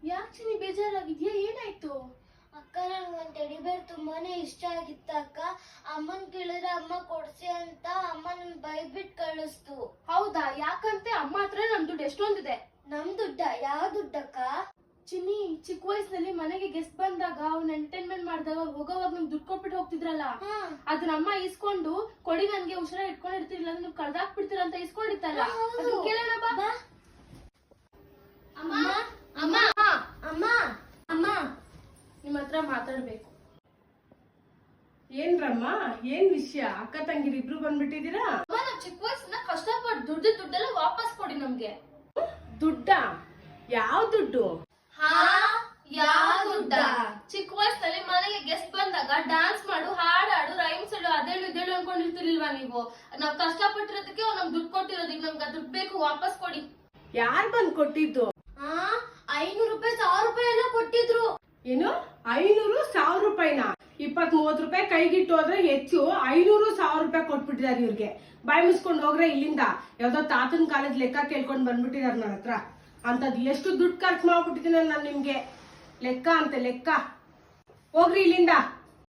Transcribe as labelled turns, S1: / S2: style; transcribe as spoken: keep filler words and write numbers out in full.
S1: ಯಾಕೆ ಚಿನ್ನಿ ಬೇಜಾರಾಗಿದ್ಯಾ? ಏನಾಯ್ತು?
S2: ಅಕ್ಕ ನನ್ಗೊಂದ್ ಟೆಡಿ ಬೇರ್ ತುಂಬಾನೇ ಇಷ್ಟ ಆಗಿತ್ತ ಅಕ್ಕ. ಅಮ್ಮನ್ ಕೇಳಿದ್ರೆ ಅಮ್ಮ ಕೊಡ್ಸಿ ಅಂತ ಅಮ್ಮ ನನ್ ಬೈಬಿಟ್ ಕಳಿಸ್ತು.
S1: ಹೌದಾ? ಯಾಕಂತೆ ಅಮ್ಮ ಹತ್ರ ನಮ್ ದುಡ್ಡು ಎಷ್ಟೊಂದಿದೆ.
S2: ನಮ್ ದುಡ್ಡ? ಯಾವ ದುಡ್ಡಕ್ಕ?
S1: ಚಿನ್ನಿ, ಚಿಕ್ಕ ವಯಸ್ಸಿನಲ್ಲಿ ಮನೆಗೆ ಗೆಸ್ಟ್ ಬಂದಾಗ ಅವ್ನ ಎಂಟರ್ಟೈನ್ಮೆಂಟ್ ಮಾಡಿದಾಗ ಹೋಗೋವಾಗ ನಿಮ್ ದುಡ್ಡು ಕೊಟ್ಬಿಟ್ಟು ಹೋಗ್ತಿದ್ರಲ್ಲ, ಅದನ್ನ ಅಮ್ಮ ಇಸ್ಕೊಂಡು ಕೊಡಿ ನನ್ಗೆ ಹುಷಾರ ಇಟ್ಕೊಂಡಿರ್ತಿರ್ಲಿಲ್ಲ, ನೀವು ಕಳ್ದಾಕ್ಬಿಡ್ತೀರ ಅಂತ ಇಸ್ಕೊಂಡಿತ್ತಲ್ಲ, ಅದನ್ನ ಕೇಳೋಣ ಬಾ. ಅಮ್ಮ ಅಮ್ಮ
S2: ಅಮ್ಮ ಅಮ್ಮ
S1: ನಿಮ್ ಹತ್ರ ಮಾತಾಡ್ಬೇಕು.
S3: ಏನ್ರಮ್ಮ, ಏನ್ ವಿಷಯ? ಅಕ್ಕ ತಂಗಿರಿ ಇಬ್ರು ಬಂದ್ಬಿಟ್ಟಿದೀರಾ?
S1: ಅಮ್ಮ, ನಾವ್ ಚಿಕ್ಕ ವಯಸ್ಸಿನ ಕಷ್ಟಪಟ್ಟು ದುಡ್ಡು ದುಡ್ಡೆಲ್ಲ ವಾಪಸ್ ಕೊಡಿ ನಮ್ಗೆ.
S3: ದುಡ್ಡ? ಯಾವ ದುಡ್ಡು?
S1: ಹಾ, ಯಾವ ದುಡ್ಡ? ಚಿಕ್ಕ ವಯಸ್ಸಲ್ಲಿ ಮನೆಗೆ ಗೆಸ್ಟ್ ಬಂದಾಗ ಡ್ಯಾನ್ಸ್ ಮಾಡು, ಹಾಡಾಡು, ರೈಮ್ಸ್ ಹೇಳು, ಅದೇಳು ಇದೇಳು ಅನ್ಕೊಂಡಿರ್ತಿರ್ಲಿಲ್ವಾ ನೀವು? ನಾವ್ ಕಷ್ಟಪಟ್ಟಿರೋದಕ್ಕೆ ನಮ್ಗೆ ದುಡ್ಡು ಕೊಟ್ಟಿರೋದು, ಈಗ ನಮ್ಗೆ ದುಡ್ಡು ಬೇಕು, ವಾಪಸ್ ಕೊಡಿ.
S3: ಯಾರ್ ಬಂದ್ ಕೊಟ್ಟಿದ್ದು?
S2: ಹಾ, ಐನೂರು ರೂಪಾಯಿ ಸಾವಿರ ರೂಪಾಯಿ ಎಲ್ಲ ಕೊಟ್ಟಿದ್ರು.
S3: ಏನು ಐನೂರು ಸಾವಿರ ರೂಪಾಯಿನ? ಇಪ್ಪತ್ ಮೂವತ್ ರೂಪಾಯಿ ಕೈಗಿಟ್ಟು ಹೋದ್ರೆ ಹೆಚ್ಚು, ಐನೂರು ಸಾವಿರ ರೂಪಾಯಿ ಕೊಟ್ಬಿಟ್ಟಿದಾರೆ ಇವ್ರಿಗೆ. ಬಾಯಿ ಮುಸ್ಕೊಂಡ್ ಹೋಗ್ರೆ ಇಲ್ಲಿಂದ. ಯಾವ್ದೋ ತಾತನ ಕಾಲದ ಲೆಕ್ಕ ಕೇಳ್ಕೊಂಡ್ ಬಂದ್ಬಿಟ್ಟಿದಾರ ನನ್ನ ಹತ್ರ. ಅಂತದ್ ಎಷ್ಟು ದುಡ್ಡು ಖರ್ಚು ಮಾಡ್ಬಿಟ್ಟಿದ್ದೀನಿ ನಾನು ನಿಮ್ಗೆ. ಲೆಕ್ಕ ಅಂತೆ ಲೆಕ್ಕ. ಹೋಗ್ರಿ ಇಲ್ಲಿಂದ.